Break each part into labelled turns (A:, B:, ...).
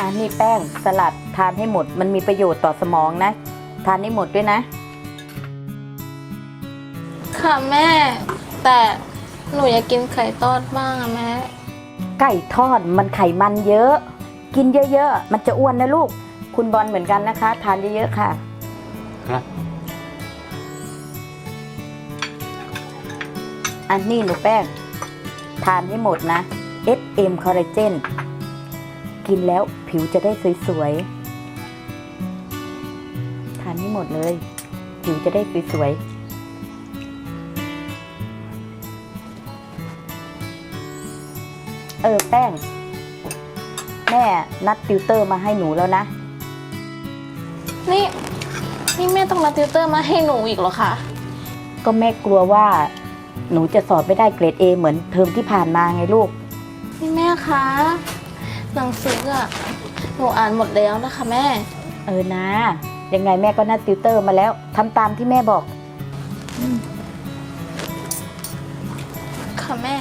A: นี่แป้งสลัดทานให้หมดมันมีประโยชน์ต่อสมองนะทานให้หมดด้วยนะ
B: ค่ะแม่แต่หนูอยากกินไข่ทอดบ้างอะแม่
A: ไก่ทอดมันไขมันเยอะกินเยอะๆมันจะอ้วนนะลูกคุณบอลเหมือนกันนะคะทานเยอะๆค่ะ
C: ครับ
A: อันนี้หนูแป้งทานให้หมดนะ SM คอลลาเจนกินแล้วผิวจะได้สวยๆทานให้หมดเลยผิวจะได้สวยๆแป้งแม่นัดติวเตอร์มาให้หนูแล้วนะ
B: นี่แม่ต้องนัดติวเตอร์มาให้หนูอีกเหรอคะ
A: ก็แม่กลัวว่าหนูจะสอบไม่ได้เกรด A เหมือนเทอมที่ผ่านมาไงลูก
B: นี่แม่คะหนังสืออะหนูอ่านหมดแล้วนะคะแม่
A: นะยังไงแม่ก็นัดติวเตอร์มาแล้วทำตามที่แม่บอก
B: ค่ะแม่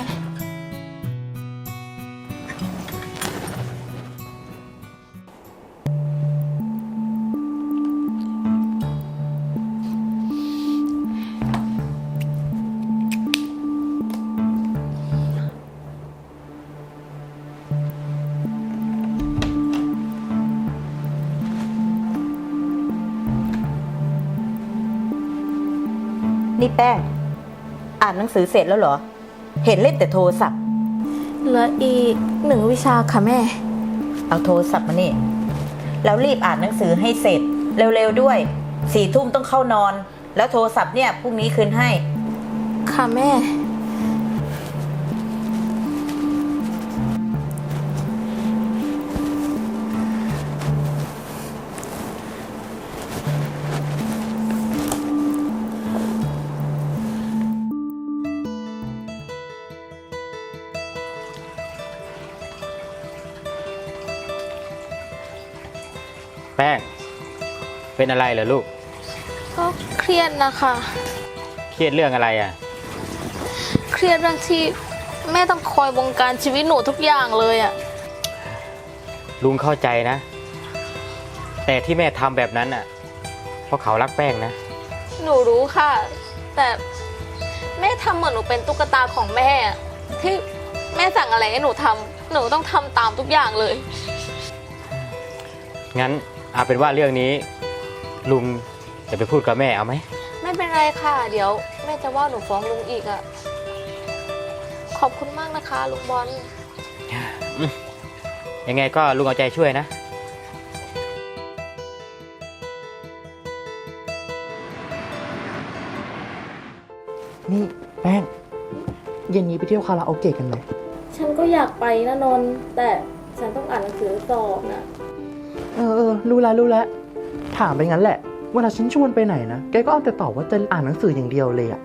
A: นี่แป้งอ่านหนังสือเสร็จแล้วเหรอเห็นเล่นแต่โทรศัพท์
B: เหลืออีก1 วิชาค่ะแม่
A: เอาโทรศัพท์มานี่แล้วรีบอ่านหนังสือให้เสร็จเร็วๆด้วย4 ทุ่มต้องเข้านอนแล้วโทรศัพท์เนี่ยพรุ่งนี้คืนให้
B: ค่ะแม่
C: แป้งเป็นอะไรเหรอลูก
B: ก็เครียดนะคะ
C: เครียดเรื่องอะไรอ่ะ
B: เครียดเรื่องที่แม่ต้องคอยบงการชีวิตหนูทุกอย่างเลยอ่ะ
C: ลุงเข้าใจนะแต่ที่แม่ทำแบบนั้นอ่ะเพราะเขารักแป้งนะ
B: หนูรู้ค่ะแต่แม่ทำเหมือนหนูเป็นตุ๊กตาของแม่ที่แม่สั่งอะไรให้หนูทำหนูต้องทำตามทุกอย่างเลย
C: งั้นเอาเป็นว่าเรื่องนี้ลุงจะไปพูดกับแม่เอาไหม
B: ไม่เป็นไรค่ะเดี๋ยวแม่จะว่าหนูฟ้องลุงอีกอ่ะขอบคุณมากนะคะลุงบอล
C: ยังไงก็ลุงเอาใจช่วยนะ
D: นี่แป้งเย็นนี้ไปเที่ยวคาราโอเกะกันไหม
B: ฉันก็อยากไปนะนนท์แต่ฉันต้องอ่านหนังสือสอบนะ
D: รู้แล้วถามไปงั้นแหละเวลาฉันชวนไปไหนนะแกก็เอาแต่ตอบว่าจะอ่านหนังสืออย่างเดียวเลย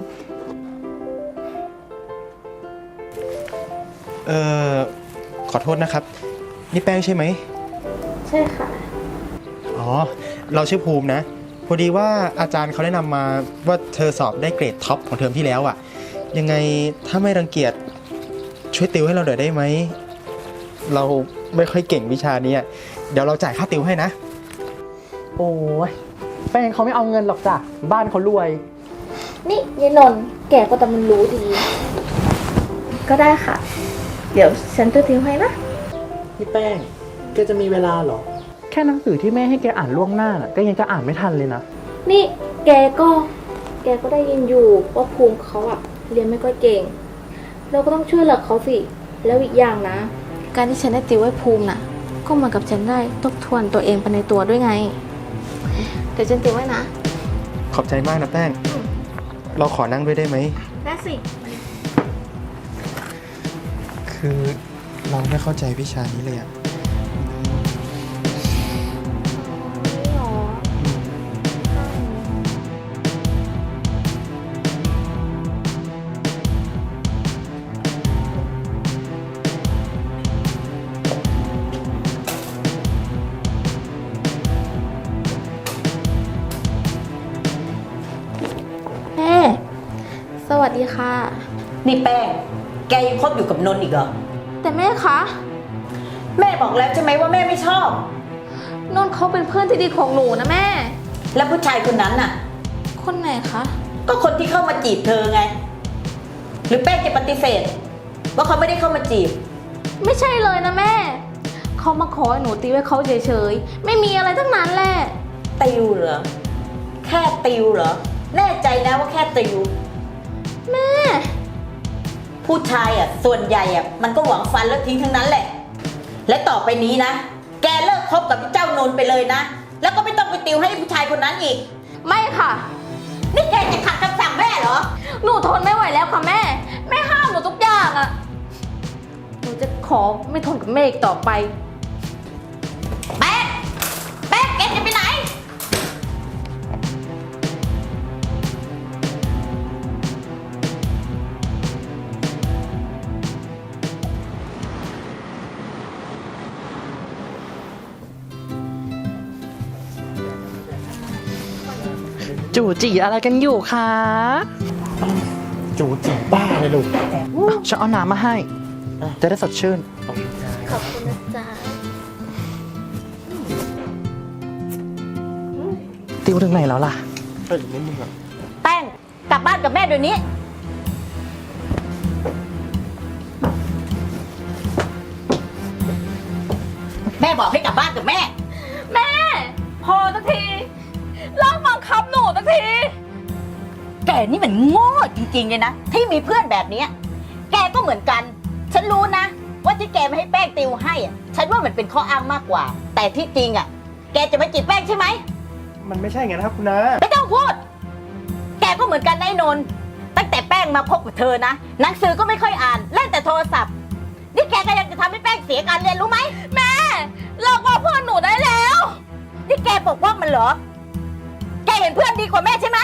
E: ขอโทษนะครับนี่แป้งใช่ไหม
B: ใช่ค่ะ
E: อ๋อเราชื่อภูมินะพอดีว่าอาจารย์เขาแนะนำมาว่าเธอสอบได้เกรดท็อปของเทอมที่แล้วอ่ะยังไงถ้าไม่รังเกียจช่วยติวให้เราหน่อยได้ไหมเราไม่ค่อยเก่งวิชานี้เดี๋ยวเราจ่ายค่าติวให้นะ
D: โอ้ยแป้งเขาไม่เอาเงินหรอกจ้ะบ้านเขารวย
B: นี่ยายนนท์แกก็แต่มันรู้ดีก็ได้ค่ะเดี๋ยวฉันจะติวให้นะ
D: พี่แป้งแกจะมีเวลาเหรอแค่หนังสือที่แม่ให้แกอ่านล่วงหน้าน่ะก็ยังจะอ่านไม่ทันเลยนะ
B: นี่แกก็ได้ยินอยู่ว่าภูมิเขาอะเรียนไม่ค่อยเก่งเราก็ต้องช่วยเหลือเขาสิแล้วอีกอย่างนะการที่ฉันได้ติวให้ภูมิน่ะก็เหมือนกับฉันได้ทบทวนตัวเองไปในตัวด้วยไงเดี๋ยวฉันติวไว้นะ
E: ขอบใจมากนะแป้งเราขอนั่งด้วยได้ไหม
B: ได้สิ
E: คือเราไม่เข้าใจวิชานี้เลยอะ
B: สวัสดีค่ะ
A: นี่แป้งแกยังคบอยู่กับนนท์อีกเหรอ
B: แต่แม่คะ
A: แม่บอกแล้วใช่ไหมว่าแม่ไม่ชอบ
B: นนท์เขาเป็นเพื่อนที่ดีของหนูนะแม่
A: แล้วผู้ชายคนนั้นน่ะ
B: คนไหนคะ
A: ก็คนที่เข้ามาจีบเธอไง หรือแป้งจะปฏิเสธ ว่าเขาไม่ได้เข้ามาจีบ
B: ไม่ใช่เลยนะแม่ เขามาขอให้หนูตีไว้เขาเฉยๆ ไม่มีอะไรทั้งนั้นแหละ
A: ติวเหรอ แค่ติวเหรอ แน่ใจนะว่าแค่ติว
B: แม่
A: ผู้ชายอ่ะส่วนใหญ่อ่ะมันก็หวังฟันแล้วทิ้งทั้งนั้นแหละ และต่อไปนี้นะ แกเลิกคบกับเจ้านนท์ไปเลยนะ แล้วก็ไม่ต้องไปติวให้ผู้ชายคนนั้นอีก
B: ไม่ค่ะ
A: นี่แกจะขัดคำสั่งแม่เหรอ
B: หนูทนไม่ไหวแล้วค่ะแม่ แม่ห้ามหนูทุกอย่างอะหนูจะขอไม่ทนกับแม่อีกต่อไป
A: แป๊กแป๊กแกจะไปไหน
D: จู่จีอะไรกันอยู่คะ
E: จูจีบ้าเลยลูก
D: ฉันเอาน้ำมาให้ จะได้สดชื่น
B: ขอบคุณนะจ๊ะ
D: ติวถึงไหนแล้วล่ะ
A: แป้งกลับบ้านกับแม่เดี๋ยวนี้ แม่บอกให้กลับบ้านกับแม่
B: แม่ พอสักทีเลิกบังคับหนูสักที
A: แกนี่มันโง่จริงๆเลยนะ ที่มีเพื่อนแบบเนี้ยแกก็เหมือนกัน ฉันรู้นะ ว่าที่แกไม่ให้แป้งติวให้อะฉันว่ามันเป็นข้ออ้างมากกว่า แต่ที่จริงอ่ะ แกจะมาจีบแป้งใช่ไหม
E: มันไม่ใช่ไงนะครับคุณน้า
A: ไม่ต้องพูด แกก็เหมือนกันนะไอ้นนท์ตั้งแต่แป้งมาคบกับเธอนะหนังสือก็ไม่ค่อยอ่านเล่นแต่โทรศัพท์นี่แกก็ยังจะทำให้แป้งเสียการเรียนรู้ไหม
B: แม่เลิกว่าเพื่อนหนูได้แล้ว
A: นี่แกปกป้องมันเหรอ แกเห็นเพื่อนดีกว่าแม่ใช่ไหม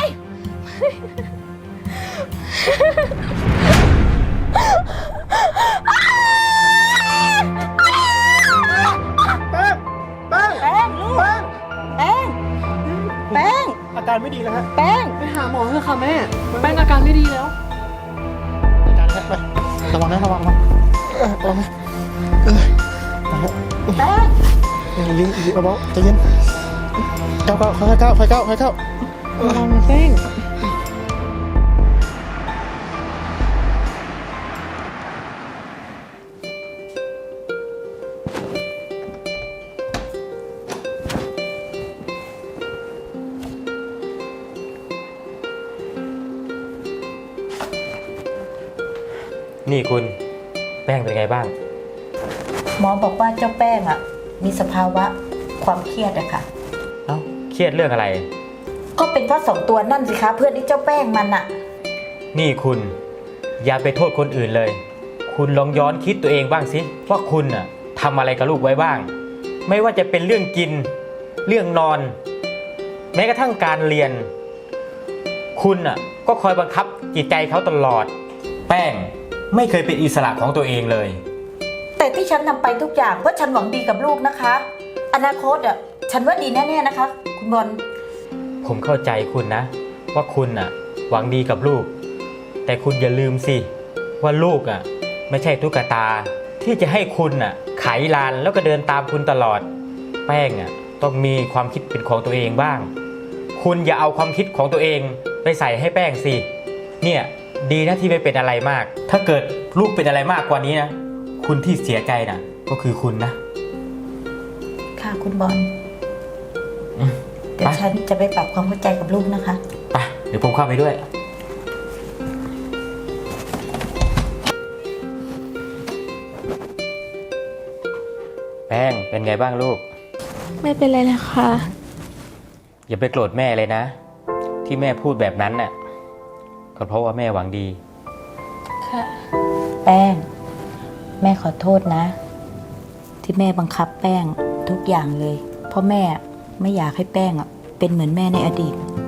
E: แป้ง แป้ง
A: แป้งลูก แป้ง แป้ง
E: อาการไม่ดีแล้วฮะ
A: แป้ง
F: ไปหาหมอเถอะค่ะแม่ แป้งอาการไม่ดีแล้ว
E: อาการแป้งระวังนะระวังระวังระวังนะ
A: แป้ง
E: ลิ้นเบาๆใจเย็นก้าวค่อยๆก้าวค่อยๆก้าวค่อยๆก้าว
F: ระวังนะแป้ง
C: นี่คุณแป้งเป็นไงบ้าง
A: หมอบอกว่าเจ้าแป้งอ่ะ มีสภาวะความเครียดอะค่ะ
C: เอ้าเครียดเรื่องอะไร
A: ก็เป็นเพราะสองตัวนั่นสิคะเพื่อนที่เจ้าแป้งมันอะ
C: นี่คุณอย่าไปโทษคนอื่นเลย คุณลองย้อนคิดตัวเองบ้างสิว่าคุณน่ะทำอะไรกับลูกไว้บ้าง ไม่ว่าจะเป็นเรื่องกิน เรื่องนอน แม้กระทั่งการเรียน คุณน่ะก็คอยบังคับจิตใจเขาตลอด แป้งไม่เคยเป็นอิสระของตัวเองเลย
A: แต่ที่ฉันทำไปทุกอย่างเพราะฉันหวังดีกับลูกนะคะ อนาคตอะฉันว่าดีแน่ๆนะคะ คุณบอล
C: ผมเข้าใจคุณนะ ว่าคุณน่ะหวังดีกับลูก แต่คุณอย่าลืมสิว่าลูกอ่ะไม่ใช่ตุ๊กตา ที่จะให้คุณน่ะไขลานแล้วก็เดินตามคุณตลอด แป้งอ่ะต้องมีความคิดเป็นของตัวเองบ้าง คุณอย่าเอาความคิดของตัวเองไปใส่ให้แป้งสิเนี่ยดีนะที่ไม่เป็นอะไรมาก ถ้าเกิดลูกเป็นอะไรมากกว่านี้นะคุณที่เสียใจน่ะก็คือคุณนะ
A: ค่ะคุณบอล
C: อืม
A: เดี๋ยวฉันจะไปปรับความเข้าใจกับลูกนะคะ
C: ไปเดี๋ยวผมเข้าไปด้วย แป้งเป็นไงบ้างลูก
B: ไม่เป็นไรเลยค่ะ
C: อย่าไปโกรธแม่เลยนะ ที่แม่พูดแบบนั้นน่ะก็เพราะว่าแม่หวังดี
B: ค่ะ
A: แป้ง แม่ขอโทษนะ ที่แม่บังคับแป้งทุกอย่างเลย เพราะแม่ไม่อยากให้แป้งอะเป็นเหมือนแม่ในอดีต